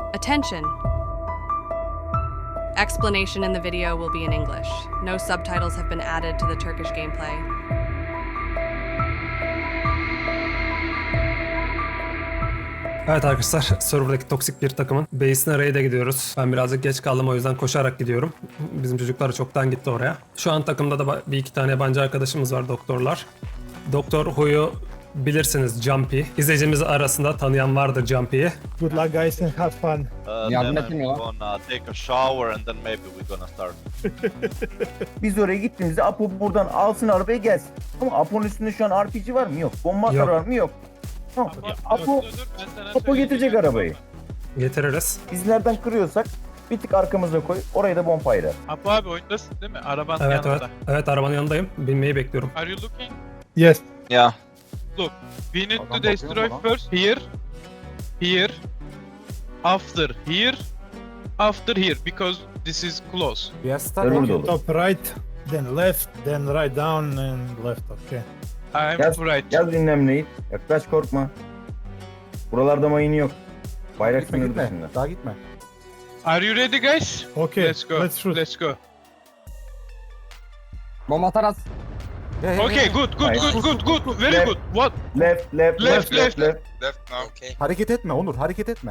Attention! Explanation in the video will be in English. No subtitles have been added to the Turkish gameplay. Evet arkadaşlar, serverdaki toksik bir takımın base'ine raid'e gidiyoruz. Ben birazcık geç kaldım, o yüzden koşarak gidiyorum. Bizim çocuklar çoktan gitti oraya. Şu an takımda da bir iki tane yabancı arkadaşımız var, doktorlar. Doktor Hu'yu bilirsiniz, Jumpy. İzleyicimiz arasında tanıyan vardır Jumpy'yi. Good luck, guys, and have fun. Yardım Then etmiyor I'm lan. gonna take a shower and then maybe we're gonna start. Biz oraya gittiğimizde Apo buradan alsın arabayı gelsin. Ama Apo'nun üstünde şu an RPG var mı? Yok. Bomba atar Yok. var mı? Yok. Tamam. Apo getirecek arabayı. Getiririz. Biz nereden kırıyorsak bir tık arkamıza koy. Oraya da bonfire at. Apo abi oyundasın değil mi? Arabanın Evet evet. yanında. Evet, arabanın yanındayım. Binmeyi bekliyorum. Are you looking? Yes. Yeah. Look. We need Adam to bakıyor destroy mu lan? first here. Here. After here. After here. Because this is close. Yes, Server dolu. Top right, then left, then right down and left. Okay. I'm Yaz, right. yaz dinlemleyi. Yaklaş korkma. Buralarda mayın yok. Bayrak sınır dışında. Daha gitme. Are you ready guys? Okay, Let's go. let's shoot. Let's go. Bomba atar at. Okay, good, good, Nice. good, good, good. Very Left. good. What? Left, left, Left, left, left. left. Hareket etme Onur, hareket etme.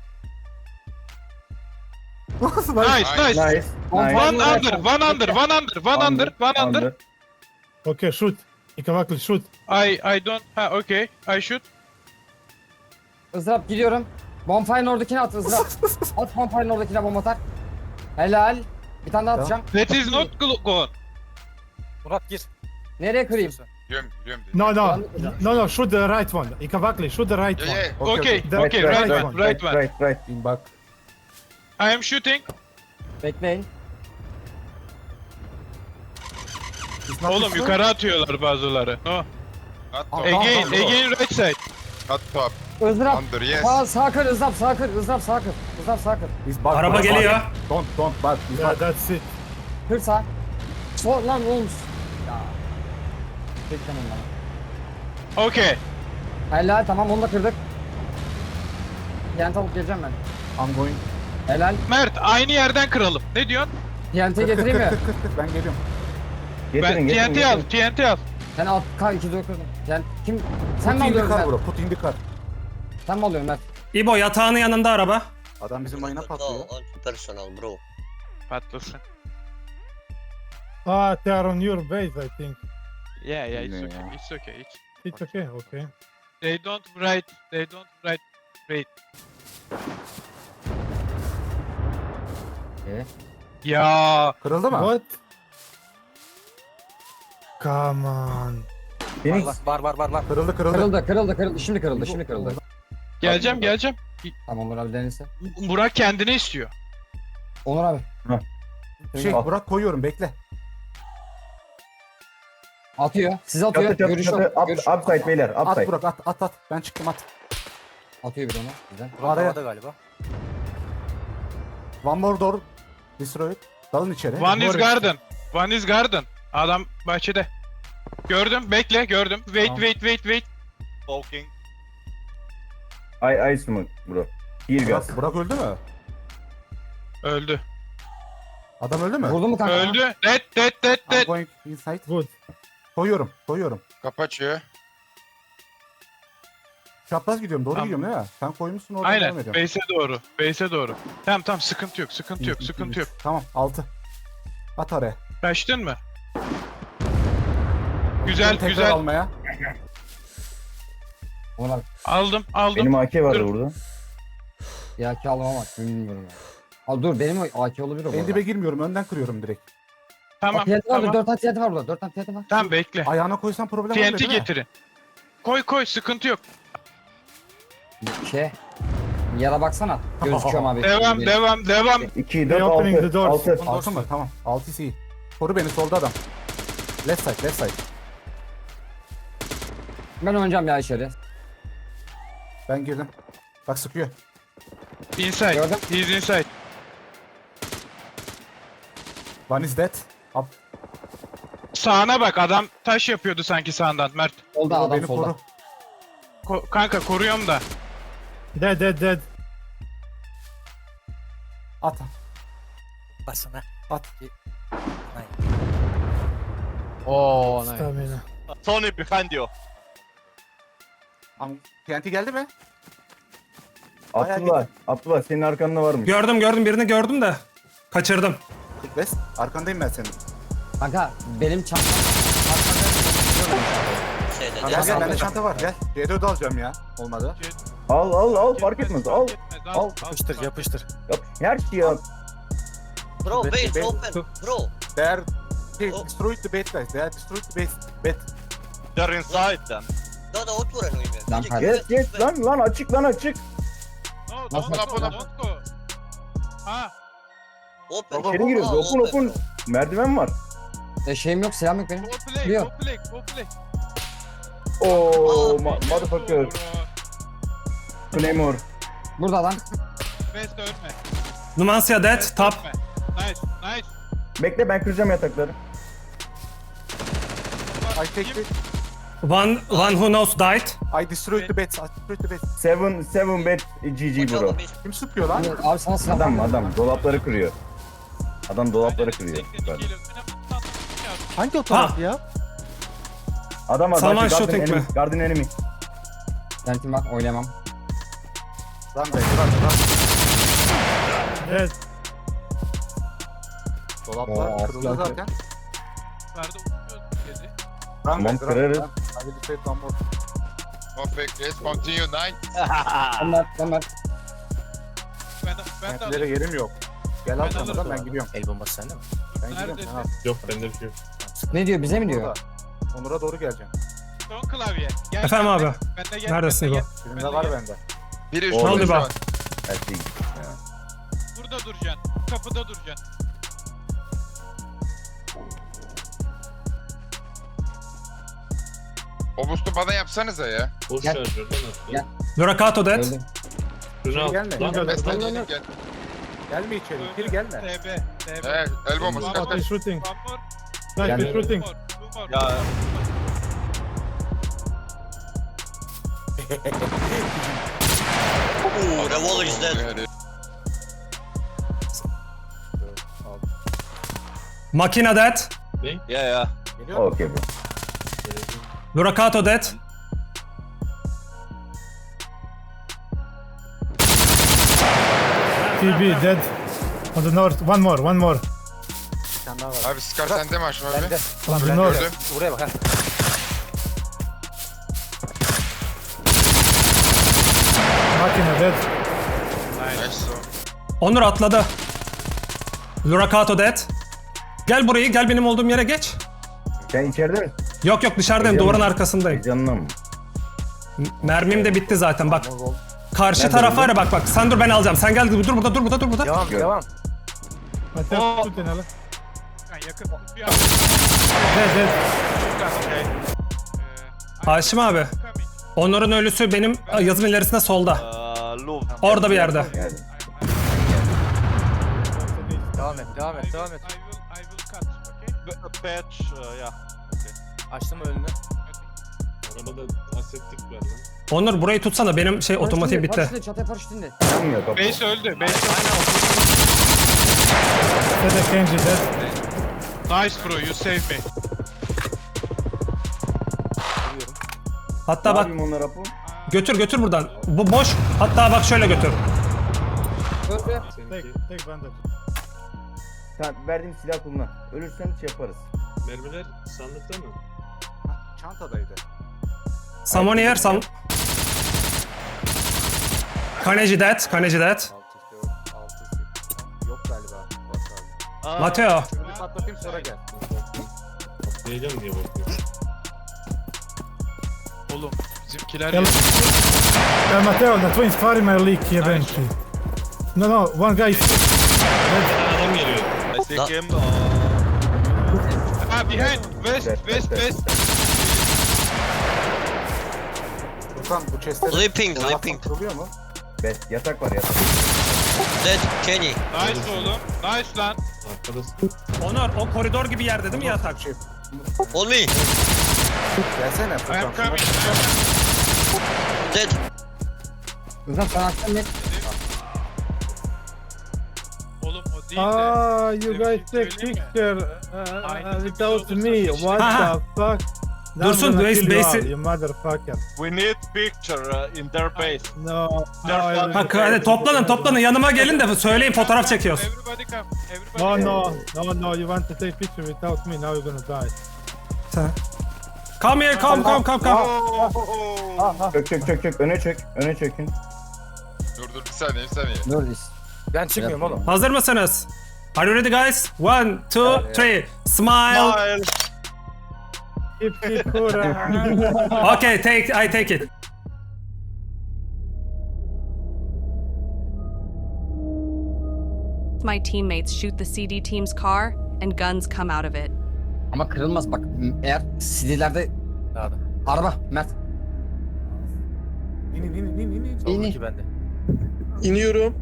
Nasıl Nice, nice. Nice, nice. One under, one under, one under, one under, one under. Okay, shoot. Ikavakli, shoot. I don't. Ha, okay. I shoot. Izrap gidiyorum. Bonfire'ın oradakine at Izrap. At bonfire'ın oradakine bomba atar. Helal. Bir tane daha atacağım. That is not gone. Murat gir. Nereye kırayım? Biliyorum. No, no, shoot the right one. Ikavakli, shoot the right one. Okay, The okay, right one, right one. Right, right. Bak. I am shooting. Bekleyin. Oğlum yukarı atıyorlar bazıları. No. Again right side. Izrap. Sağ kır Izrap, sağ kır. Izrap sağ kır. Izrap sağ kır. Araba geliyor. Don't, bak. Yeah, that's it. Kır sağ. Sol lan oğlum. Ya. Beklemeyin bana. Okay. Helal tamam onu da kırdık. TNT alıp geleceğim ben. I'm going. Helal. Mert aynı yerden kıralım. Ne diyorsun? TNT getireyim mi? Ben geliyorum. Getirin, getirin, TNT al, getirin. TNT al. Sen al K2 kırdın. Yani kim? Sen mi Put in the alıyorsun car Mert? bro, put in the car. Sen mi alıyorsun Mert? İbo, yatağının yanında araba. Adam bizim mayına patlıyor. Personal bro. Patlasın. They are on your base, I think. Yeah, it's Ne okay, ya? it's okay. It's okay, okay. They don't write. Wait. Ya. Kırıldı mı? What? Come on. Phoenix, Var. Kırıldı. Kırıldı. Şimdi kırıldı. Geleceğim. Tamam Onur abi denilse. Burak kendini istiyor. Onur abi. Burak koyuyorum, bekle. Atıyor. Siz atıyor. çatı, çatı, Görüş çatı. yok. Görüş yok. Upside beyler, At upside. Burak, at. Ben çıktım, at. Atıyor bir onu. Bizden. Araya. galiba. One more door. Destroy it. Dalın içeri. One is garden. Adam bahçede. Gördüm, bekle, gördüm. Wait. Talking. I smoke bro. Here gas. Burak öldü mü? Öldü. Adam öldü mü? Vurdu mu kanka? Öldü. Dead. I'm going inside. Good. Koyuyorum. Kapı açıyor. Çapraz gidiyorum, doğru Tamam. gidiyorum değil mi? Sen koymuşsun orada Aynen. devam ediyorum. Base'e doğru. Tamam, sıkıntı yok. Tamam, 6. At araya. Kaçtın mı? Güzel. Tekrar almaya. Onur abi. Aldım. Benim AK vardı Dur. burada. Ya ki alamamak bilmiyorum ya. Al dur benim AK olabilir o bu Endibe arada. girmiyorum, önden kırıyorum direkt. Tamam. TNT var 4 tane TNT var burada. 4 tane TNT var. Tamam, bekle. Ayağına koysan problem olmuyor TNT değil mi? getirin. Koy, sıkıntı yok. Yara baksana. Gözüküyorum abi. Devam. 2, They 4, opening the 6. doors. 6. 6 mı? Tamam. 6 iyi. Koru beni, solda adam. Left side. Ben oynayacağım ya içeri. Ben girdim. Bak sıkıyor. Inside. Gördüm. He's inside. One is dead. Up. Sağına bak, adam taş yapıyordu sanki sağından Mert. Solda adam Beni solda. koru. Kanka koruyorum da. Dead. At. Basına. At. Oo nice. Tony behind you. TNT geldi mi? Bayağı Abdullah senin arkanda varmış. Gördüm birini gördüm de. Kaçırdım. West. Arkandayım ben senin. Kanka benim çantam. Şeyde. Gel gel bende çanta var gel. C4 alacağım ya. Olmadı. Al fark etmez al. Al. Yapıştır yapıştır. Yap. Her şeyi al. Bro base Base. open. Bro. They are destroyed the base guys. They are destroyed the base. They're inside then. Da otvoren u ime. Lan Yes lan açık. No, Nasıl don't yapalım? go. Ha, Open. İçeri giriyoruz. Open. Merdiven var. Şeyim yok, silahım yok benim. go play, Biliyor. go play, go play. Oo motherfucker. Bro, Claymore. Burada lan. Best ölme. Numancia dead. Best Top. ölme. Nice, nice. Bekle ben kıracağım yatakları. I take it. One who knows died. I destroyed the base. I destroyed the base. Seven bed GG bro. Kim sıkıyor lan? Abi sana silah var. Adam dolapları kırıyor. Adam dolapları kırıyor. Süper. Hangi o taraf ya? Adam Someone garden shooting enemy. me. Garden enemy. Kentim var, oynayamam. Lan be run. Evet. Dolaplar Oo, kırıldı silah zaten. Nerede uçuyorsun dedi. Tamam kırarız. Hadi bir şey tam bot. Perfect. Let's continue night. Ömer. Ben de Kentlere yerim yok. Gel al Ben sana alırım. ben gidiyorum. El bombası sende mi? Ben gidiyorum. Neredesin? Sen al. Yok bende bir şey yok. Ne diyor, bize mi diyor? Burada. Onur'a doğru geleceğim. son klavye. Gel, Efendim ben de- abi. Ben de gel. Neredesin ben de İbo? gel. Birinde Ben de var gel. bende. Biri Ne oldu üstünde şu be? an. Her şey. Burada duracaksın. Kapıda duracaksın. O boost'u bana yapsanıza ya. Boş Gel. şarjörden attı. Gel. Luracato dead. Öldüm. Şunu al. Gelme. Lan, Beste Gel. gelin gel. Gelme içeri. İçeri gelme. TB. Evet, el bombası kaç kaç. shooting. One more. Gel. Two more. Two more. Ya Ooh, the wall is dead. Makina dead. yeah. Geliyor mu? Okay bro. Luracato dead. TB dead. On the north. One more. Bir tane daha var. Abi Scar sende mi Aşım abi? Bende. On the Ben north. Gördüm. Buraya bak ha. Makina dead. Nice. Onur atladı. Luracato dead. Gel burayı, gel benim olduğum yere geç. Sen içeride misin? Yok dışarıdayım, duvarın arkasındayım. Heyecanla mı? Mermim de bitti zaten bak. Karşı taraf var ya bak. Sen dur ben alacağım. Sen gel dur burada. Devam devam. Ateş tutun hele. Ha, yakın. Bir Dead dead. Okay. Haşim abi. Coming. Onur'un ölüsü benim yazım ilerisinde solda. Loop. Orada bir yerde. Yani. Devam et. I will cut. Okay. Patch, yeah. Açtım önünü. Arabada asettik var lan. Onur burayı tutsana benim otomatik bitti. Paraşütle, çatıya paraşütünde. Yanmıyor kapı. Base öldü. Base Dead Kenji dead. öldü. Nice bro, you saved me. Hatta Ne bak yapayım onlara bu? götür buradan. Bu boş. Hatta bak şöyle götür. Öldü. Tek bandaj. Sen verdiğim silah kullan. Ölürsen şey yaparız. Mermiler sandıkta mı? Çantadaydı. Someone here, Kaneci dead. 6 4 6 8. Yok galiba. Bak abi. Mateo. Şunu bir patlatayım sonra gel. Atlayacağım diye bakıyorum. Oğlum bizimkiler Gel. Matteo, the twins fire my leak eventually. No, one guy is Adam geliyor. I see him. Ha behind. West. Furkan bu chest'e Leaping. kuruluyor mu? Best yatak var yatak. Dead Kenny. Nice oğlum. Nice lan. arkada. Onur o koridor gibi yerde değil mi yatak? Şey, On me. gelsene I Furkan. am coming. Dead. Hızlan sen akşam net. değil de. Ah, you Size bir guys şey take söyleyeyim mi? picture Aynı without tepki me. olursa What Aha. the fuck? Now Dursun, I'm gonna base- kill you all, base- you motherfucker. We need picture in their base. No. They're no, I- Ha, hadi toplanın yanıma gelin de söyleyin fotoğraf çekiyoruz. Everybody come. Everybody No, come. no, you want to take picture without me, now you're gonna die. Come here, come. Çök. Öne çökün. Dur bir saniye. Dur biz. Ben çıkmıyorum oğlum. Hazır mısınız? Are you ready guys? 1, 2, 3. Smile. Smile. Keep cool. Okay, I take it. My teammates shoot the CD team's car, and guns come out of it. Ama kırılmaz bak. Eğer CD'lerde Hadi. araba Mert. İn. İn. Soldaki bende. İniyorum.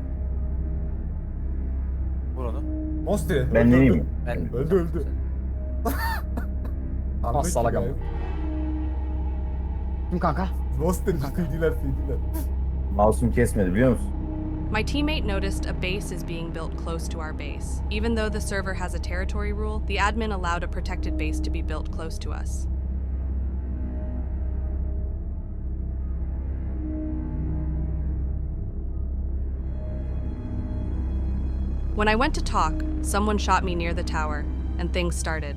Vur onu. Mosti. Ben ineyim mi? Ben Öldü. Ah salak ama. Kim kanka? Mosti CD'ler. Mouse'um kesmedi biliyor musun? My teammate noticed a base is being built close to our base. Even though the server has a territory rule, the admin allowed a protected base to be built close to us. When I went to talk, someone shot me near the tower, and things started.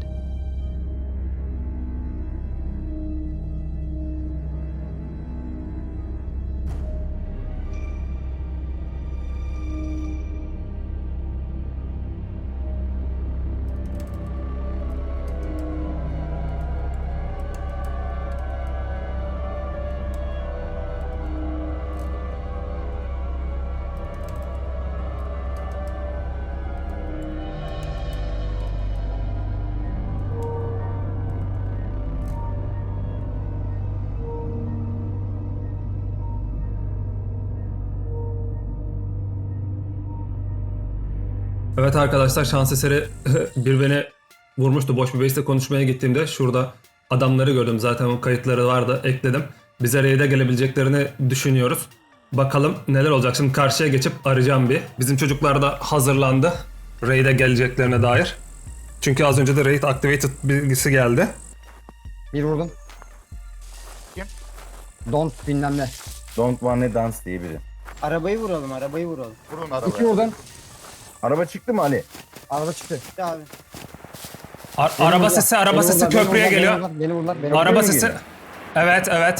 Evet arkadaşlar, şans eseri bir beni vurmuştu. Boş bir base'le konuşmaya gittiğimde şurada adamları gördüm. Zaten o kayıtları vardı, ekledim. Bize raid'e gelebileceklerini düşünüyoruz. Bakalım neler olacak. Şimdi karşıya geçip arayacağım bir. Bizim çocuklar da hazırlandı raid'e geleceklerine dair. Çünkü az önce de raid activated bilgisi geldi. Bir vurdum. Kim? Don't bilmem ne. Don't wanna dance diye biri. Arabayı vuralım. Vurun arabaya. 2 vurdum. Araba çıktı mı Ali? Araba çıktı. Abi. Araba sesi köprüye geliyor. Beni vurdular. Araba mi sesi. geliyor? Evet.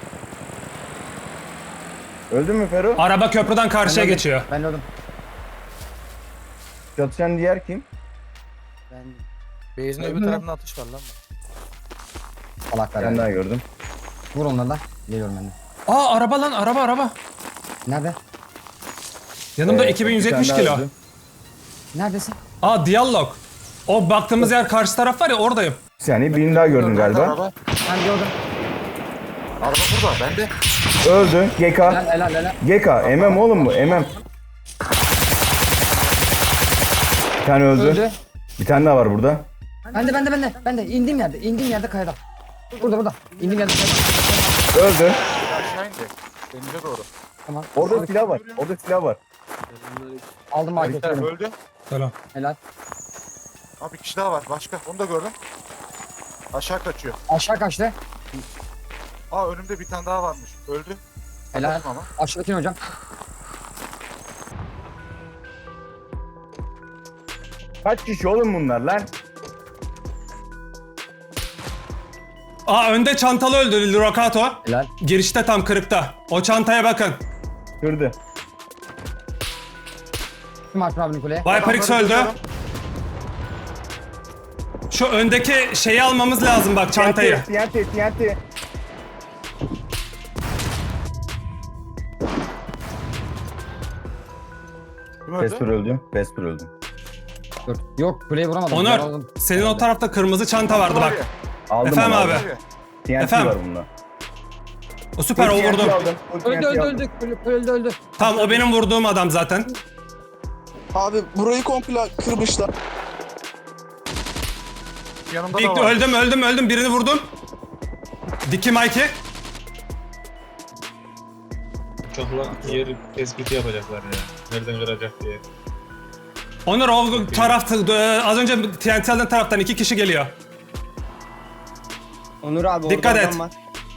Öldün mü Fero? Araba köprüden karşıya geçiyor. Ben öldüm. Çatışan diğer kim? Ben Base'in öbür tarafında atış var lan. Salaklar Ben yani. daha gördüm. Vur onları da. Geliyorum ben de. Aa, araba lan, araba. Nerede? Yanımda Bir 2170 tane daha kilo. öldü. Neredesin? Aa, diyalog. O baktığımız yer karşı taraf var ya, oradayım. Bir saniye birini daha gördüm galiba. Araba. Ben gördüm. Araba burada. Bende. Öldü. GK. Helal. GK. MM oğlum bu. MM. Bir tane öldü. Bir tane daha var burada. Ben de. İndiğim yerde kayada. Burada. İndiğim yerde kayada. Öldü. Aşağı indi. Denize doğru. Tamam. Orada silah var. Aldım marketi. Öldü. Selam. Helal. Abi bir kişi daha var. Başka. Onu da gördüm. Aşağı kaçıyor. Aşağı kaçtı. Aa önümde bir tane daha varmış. Öldü. Helal. Atladım ama. Aşağıdakini hocam. Kaç kişi oğlum bunlar lan? Aa, önde çantalı öldü Rokato. Helal. Girişte tam kırıkta. O çantaya bakın. Kırdı. Kim Alper abinin kuleye? Viper X öldü. Şu öndeki şeyi almamız lazım bak, çantayı. TNT. Kim öldü? Vesper öldü. Dur. Yok kuleyi vuramadım. Onur, Yaraladım. senin o tarafta kırmızı çanta vardı bak. Aldım Efendim onu, abi. aldım. TNT Efendim? var bunda. O süper, o TNT vurdu. aldım. Öldü. Öldü. Tamam, o benim vurduğum adam zaten. Abi burayı komple kırmışlar. Yanımda İlk da var. öldüm, birini vurdum. Diki Mikey. Çokla yer tespiti yapacaklar ya. Nereden kıracak diye. Onur o tarafta az önce TNT'den taraftan 2 kişi geliyor. Onur abi Dikkat orada et. adam var.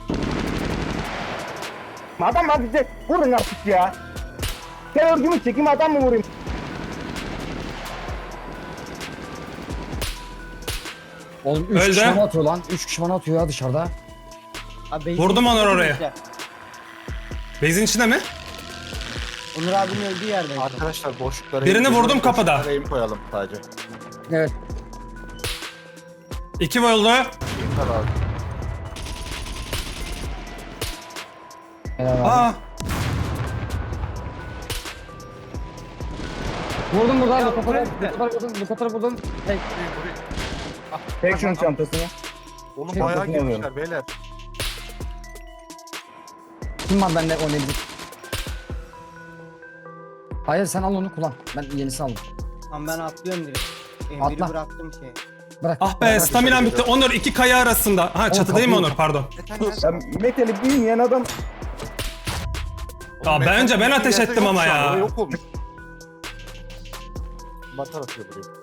Adam var bize. Vurun artık ya. Sen örgümü çekeyim adam mı vurayım? Oğlum 3 Öldü. kişi bana atıyor lan. 3 kişi bana atıyor ya dışarıda. Abi, Vurdum Onur base'in oraya. içinde. Base'in içinde mi? Onur abinin öldüğü yerde. Arkadaşlar boşluklara... Birini vurdum kapıda. Boşluklara aim koyalım sadece. Evet. 2 vuruldu. Aim var abi. Helal abi. Aa. Vurdum buradan bu kadar vurdum. Hey. Tek şunun çantasını. Oğlum Şey, bayağı bakın alıyorum. girmişler beyler. Kim var bende oynayabilir? Hayır sen al onu kullan. Ben yenisini aldım. Tamam ben atlıyorum direkt. Atla. Biri bıraktım şey. Bırak. Ah be staminam bitti. Onur 2 kaya arasında. Ha çatıdayım kapıyı- Onur pardon. Ya metali bilmeyen adam Ya bence ben ateş Yerde ettim yok ama şu an, ya. orada Yok olmuş. Batar atıyor buraya.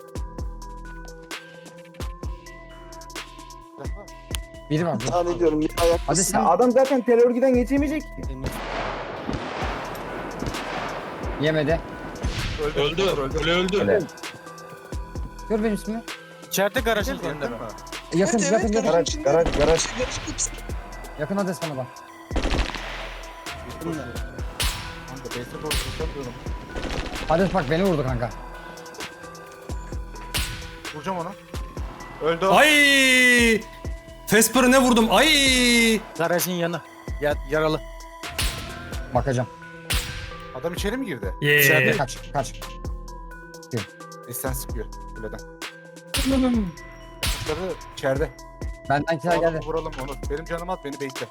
Biri var. Tahmin ediyorum. Bir ayak. Hadi sen adam zaten terörgiden geçemeyecek ki. yemedi. Öldü. Öldü. Öyle. Gör benim ismimi. İçeride garajın önünde mi? Yakın yakın yakın. Garaj. Yakın adres bana bak. Kanka base'e doğru koşamıyorum. Adres bak beni vurdu kanka. Vuracağım onu. Öldü o. Ay! Vesper'ı ne vurdum? Ay! Garajın yanı. Yaralı. Bakacağım. Adam içeri mi girdi? Yeah. Kaç. Sen sıkıyor. Kuleden. Çocukları içeride. Benden kiler O adamı geldi. vuralım Onur. Benim canım at beni bekle.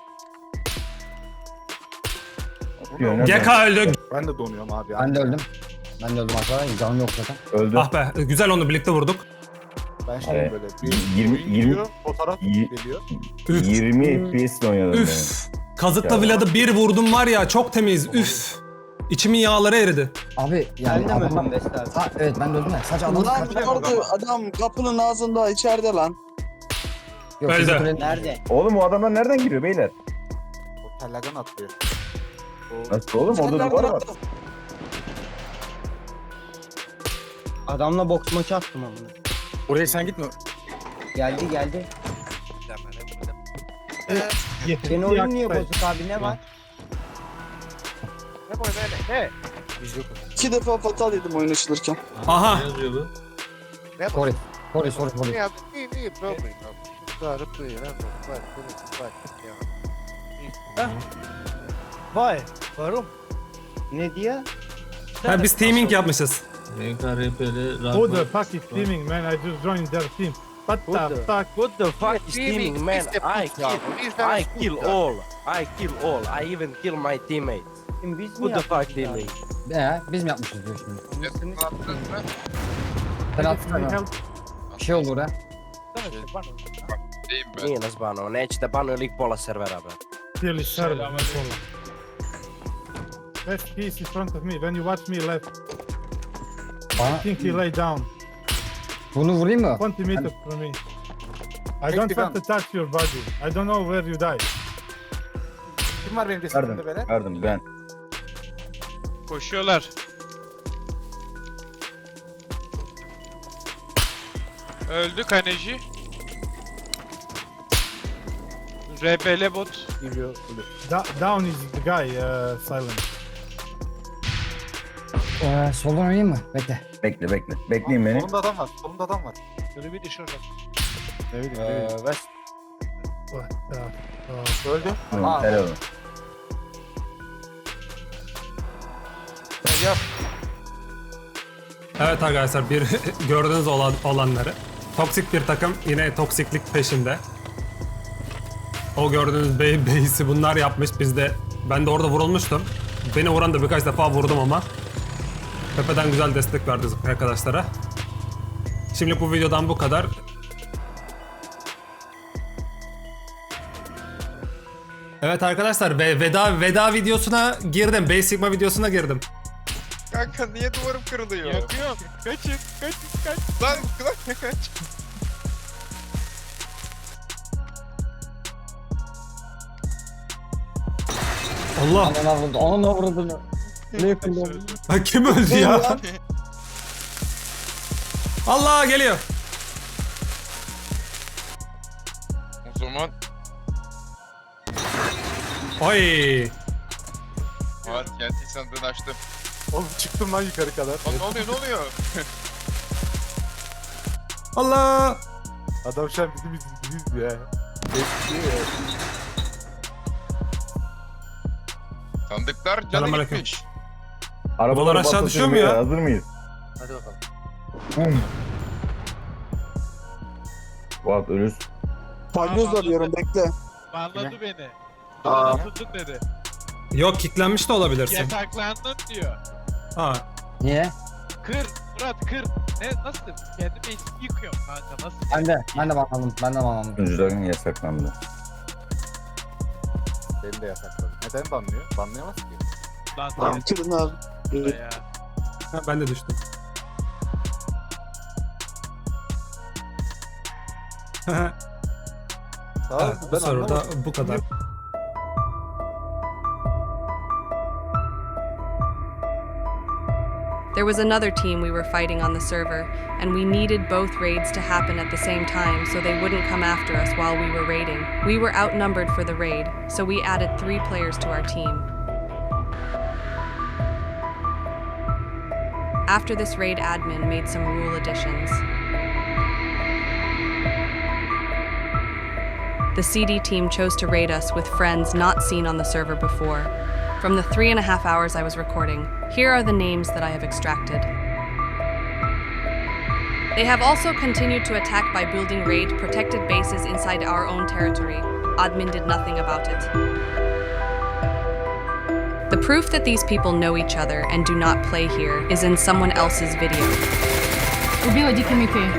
Diyor, Geka öldü. Ben de donuyorum abi. Ben de öldüm. Ben de öldüm arkadaşlar. Canım yok zaten. Öldü. Ah be güzel onu birlikte vurduk. Ben şey Evet. böyle. 20 geliyor, fotoğraf geliyor. 20 FPS ile oynadım Üf. Kazıkla Vlad'ı bir vurdum var ya çok temiz. Üf. İçimin yağları eridi. Abi yani Ben de mi adam... öldüm Beste abi? Ha, evet ben de öldüm ya. Sadece adamı Adam kapının ağzında içeride lan. Yok, Öldü. bizim kulenin- Nerede? benim. Oğlum o adamlar nereden giriyor beyler? O tellerden atlıyor. Nasıl oğlum orada duvar var. Adamla boks maçı attım ama. Oraya sen gitme. Geldi. Senin oyun niye bozuk abi ne var? Biz yok. 2 defa fatal yedim oyun açılırken. Aha. Sorry. Vay. Varım. Ne diye? Ha, biz teaming yapmışız. Who the fuck is teaming, man? I just joined their team. What the fuck? What the fuck is teaming, man? I kill all. I even kill my teammates. Biz mi What the fuck teaming? Biz mi yapmışız diyor şimdi. Attınız mı? Sen attın Can you mı? help? Bir şey oldu oraya. Deyim ben. Miinas Bano, nećete Bano ili pola servera, bre. Clearly server. Left piece in front of me. When you watch me left, Bana I think he lay down. bunu vurayım mı? 20 meters from me. I Take don't the want to touch your body. I don't know where you died. Kim var benim destekimde böyle? Verdim ben. Koşuyorlar. Öldü Kaneci. RBL bot. Down is the guy, Silent. Soldan oynayayım mı? Bekle. Bekle. Bekleyin beni. Solumda adam var. Solumda adam var. West. What the fuck? Öldü. Tamam, helal olsun. Evet arkadaşlar bir gördüğünüz olanları. Toksik bir takım yine toksiklik peşinde. O gördüğünüz base'i bunlar yapmış. Ben de orada vurulmuştum. Beni vuran da birkaç defa vurdum ama. Tepeden güzel destek verdi arkadaşlara. Şimdi bu videodan bu kadar. Evet arkadaşlar veda videosuna girdim. Base Sigma videosuna girdim. Kanka niye duvarım kırılıyor? Yakıyorum. Kaçın. Kaç. Lan kaç. Allah. Anana vurdu. Anana vurdu. Ne yapayım? Ha, kim öldü ya? Allah geliyor. O zaman Oy. var TNT sandığını açtım. Oğlum çıktım lan yukarı kadar. Lan ne oluyor? Allah. Adam şu an bizim izlediğimiz ya. Bekliyor ya. Sandıklar canı Selamünaleyküm. gitmiş. Arabalar aşağı düşüyor mu ya? Hazır mıyız? Hadi bakalım. Fuat ölürsün. Palyoz arıyorum bekle. Banladı beni. Aa. Atıldın dedi. Yok kilitlenmiş de olabilirsin. Yasaklandın diyor. Ha. Niye? Kır. Murat kır. Ne nasıl? Kendi base'imi yıkıyorum kanka. Nasıl? Ben de banladım. Ben de banladım. Sunucuların yasaklandı. Beni de yasakladı. Neden banlıyor? Banlayamaz ki. Lan Kırın abi. ya. Ha, ben de düştüm. Tamam, Evet, bu soruda bu kadar. There was another team we were fighting on the server, and we needed both raids to happen at the same time so they wouldn't come after us while we were raiding. We were outnumbered for the raid, so we added 3 players to our team. After this raid, admin made some rule additions. The CD team chose to raid us with friends not seen on the server before. From the 3.5 hours I was recording, here are the names that I have extracted. They have also continued to attack by building raid protected bases inside our own territory. Admin did nothing about it. The proof that these people know each other and do not play here is in someone else's video. Убила Дикий Микки.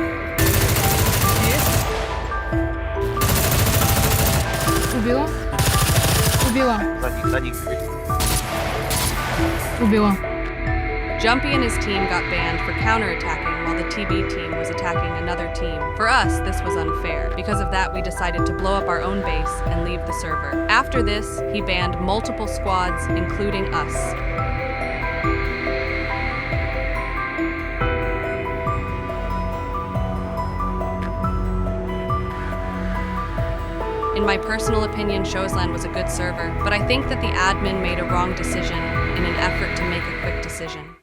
Убила. Убила. Убила. Jumpy and his team got banned for counterattacking while the TB team was attacking another team. For us, this was unfair. Because of that, we decided to blow up our own base and leave the server. After this, he banned multiple squads, including us. In my personal opinion, Showsland was a good server, but I think that the admin made a wrong decision in an effort to make a quick decision.